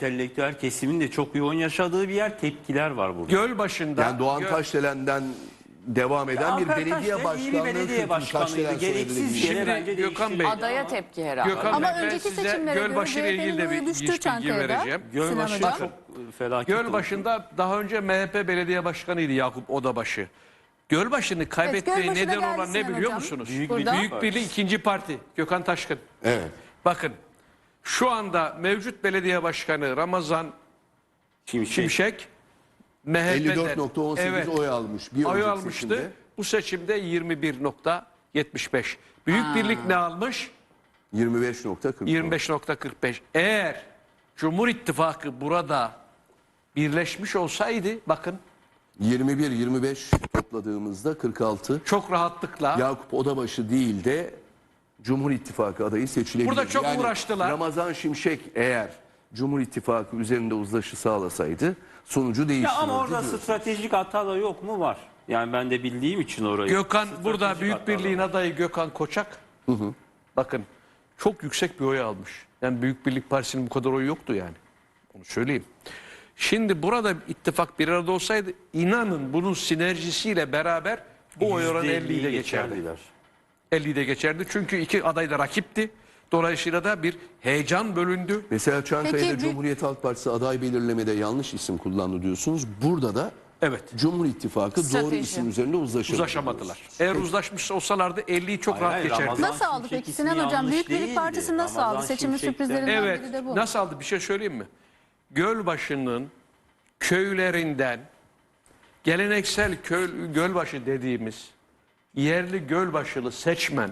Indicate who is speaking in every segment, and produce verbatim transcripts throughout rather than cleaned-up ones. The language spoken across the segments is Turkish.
Speaker 1: entelektüel kesimin de çok yoğun yaşadığı bir yer, tepkiler var burada.
Speaker 2: Gölbaşı'nda
Speaker 3: Yani Doğan
Speaker 2: Göl-
Speaker 3: Taşdelen'den devam eden
Speaker 1: Ya
Speaker 3: bir
Speaker 1: Alper
Speaker 3: belediye
Speaker 1: Taşdelen iyi bir
Speaker 3: başkanlığı
Speaker 1: belediye
Speaker 3: kültürü.
Speaker 1: başkanıydı.
Speaker 3: Taşdelen soyadı
Speaker 1: Gereksiz
Speaker 3: değil.
Speaker 1: yere
Speaker 2: Şimdi
Speaker 1: bence
Speaker 2: Gökhan
Speaker 1: değiştirdi.
Speaker 2: Bey-
Speaker 4: Adaya tepki herhalde.
Speaker 2: Gökhan
Speaker 5: Ama
Speaker 2: Bey, ben
Speaker 5: önceki
Speaker 2: size
Speaker 5: seçimlere göre
Speaker 2: Gölbaşı ile ilgili de
Speaker 5: C H P'nin
Speaker 2: bir
Speaker 5: oyu düştü
Speaker 2: bilgi
Speaker 5: Çankaya'da.
Speaker 2: vereceğim.
Speaker 1: Gölbaşı
Speaker 5: Sinan
Speaker 1: çok
Speaker 5: Hocam.
Speaker 1: e, felaket oldu.
Speaker 2: Gölbaşı'nda daha önce M H P belediye başkanıydı Yakup Odabaşı. Gölbaşı'nı kaybetmeye
Speaker 5: Gölbaşı'na
Speaker 2: neden
Speaker 5: geldi
Speaker 2: olan ne
Speaker 5: Sinan
Speaker 2: biliyor
Speaker 5: Hocam.
Speaker 2: musunuz?
Speaker 1: Büyük
Speaker 5: Burada.
Speaker 2: Büyük Birlik ikinci parti Gökhan Taşkın.
Speaker 3: Evet.
Speaker 2: Bakın şu anda mevcut belediye başkanı Ramazan
Speaker 1: Şimşek.
Speaker 2: Şimşek M H P'den
Speaker 3: elli dört nokta on sekiz
Speaker 2: evet,
Speaker 3: oy almış. Bir
Speaker 2: oy
Speaker 3: önceki
Speaker 2: almıştı.
Speaker 3: seçimde.
Speaker 2: Bu seçimde yirmi bir nokta yetmiş beş. Büyük Birlik ne almış?
Speaker 3: yirmi beş nokta kırk.
Speaker 2: yirmi beş nokta kırk beş. Eğer Cumhur İttifakı burada birleşmiş olsaydı bakın
Speaker 3: yirmi bir yirmi beş topladığımızda kırk altı.
Speaker 2: çok rahatlıkla
Speaker 3: Yakup Odabaşı değil de Cumhur İttifakı adayı seçilebilir.
Speaker 2: Burada çok uğraştılar.
Speaker 3: Ramazan Şimşek eğer Cumhur İttifakı üzerinde uzlaşı sağlasaydı sonucu
Speaker 1: Ya
Speaker 3: değiştirirdi.
Speaker 1: ama orada
Speaker 3: diyoruz.
Speaker 1: stratejik hata da yok mu? Var. Yani ben de bildiğim için orayı.
Speaker 2: Gökhan
Speaker 1: Stratejik
Speaker 2: burada
Speaker 1: hata
Speaker 2: Büyük
Speaker 1: da
Speaker 2: Birliğin
Speaker 1: var.
Speaker 2: adayı Gökhan Koçak. Bakın çok yüksek bir oy almış. Yani Büyük Birlik Partisi'nin bu kadar oyu yoktu yani. Onu söyleyeyim. Şimdi burada ittifak bir arada olsaydı inanın bunun sinerjisiyle beraber bu oy oranı
Speaker 1: yüzde
Speaker 2: elliyi de
Speaker 1: elliyi
Speaker 2: geçerdi.
Speaker 1: geçerdiler.
Speaker 2: elliyi de geçerdi. Çünkü iki aday da rakipti. Dolayısıyla da bir heyecan bölündü.
Speaker 3: Mesela Çankaya'da
Speaker 5: Peki, bir-
Speaker 3: Cumhuriyet Halk Partisi aday belirlemede yanlış isim kullandı diyorsunuz. Burada da
Speaker 2: Evet.
Speaker 3: Cumhur İttifakı doğru
Speaker 4: Strateji.
Speaker 3: isim üzerinde uzlaşamadı.
Speaker 2: Uzlaşamadılar. Eğer uzlaşmış olsalardı elliyi çok
Speaker 1: Hayır,
Speaker 2: rahat
Speaker 1: hayır,
Speaker 2: geçerdi.
Speaker 1: Ramazan
Speaker 5: Nasıl aldı
Speaker 1: Şimşek
Speaker 5: peki
Speaker 1: ismi
Speaker 5: Sinan Hocam?
Speaker 1: yanlış
Speaker 5: Büyük Birlik
Speaker 1: değildi.
Speaker 5: Partisi nasıl
Speaker 1: Ramazan
Speaker 5: aldı? Seçimin
Speaker 1: Şimşek'ten-
Speaker 5: sürprizlerinden
Speaker 2: Evet.
Speaker 5: biri de bu.
Speaker 2: Nasıl aldı? Bir şey söyleyeyim mi? Gölbaşı'nın köylerinden geleneksel köy, Gölbaşı dediğimiz yerli Gölbaşılı seçmen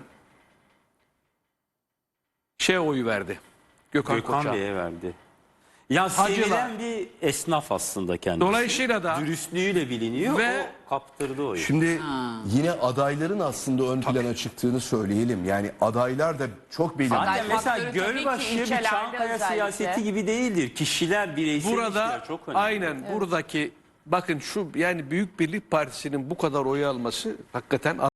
Speaker 2: şey oyu verdi. Gökhan,
Speaker 1: Gökhan
Speaker 2: Koçak'a.
Speaker 1: Bey'e verdi. Ya
Speaker 2: Hacılar.
Speaker 1: sevilen bir esnaf aslında kendisi.
Speaker 2: Dolayısıyla da
Speaker 1: dürüstlüğüyle biliniyor.
Speaker 2: Ve-
Speaker 1: o kaptırdı oyu.
Speaker 3: Şimdi yine adayların aslında ön plana çıktığını söyleyelim. Yani adaylar da çok belirli.
Speaker 1: Zaten
Speaker 4: Aday
Speaker 1: mesela
Speaker 4: faktörü tabii ki
Speaker 1: Gölbaşı bir
Speaker 4: ilçelerde
Speaker 1: Çankaya
Speaker 4: özellikle.
Speaker 1: siyaseti gibi değildir. Kişiler, bireysel
Speaker 2: burada
Speaker 1: ilişkiler çok önemli.
Speaker 2: aynen buradaki bakın şu yani Büyük Birlik Partisi'nin bu kadar oy alması hakikaten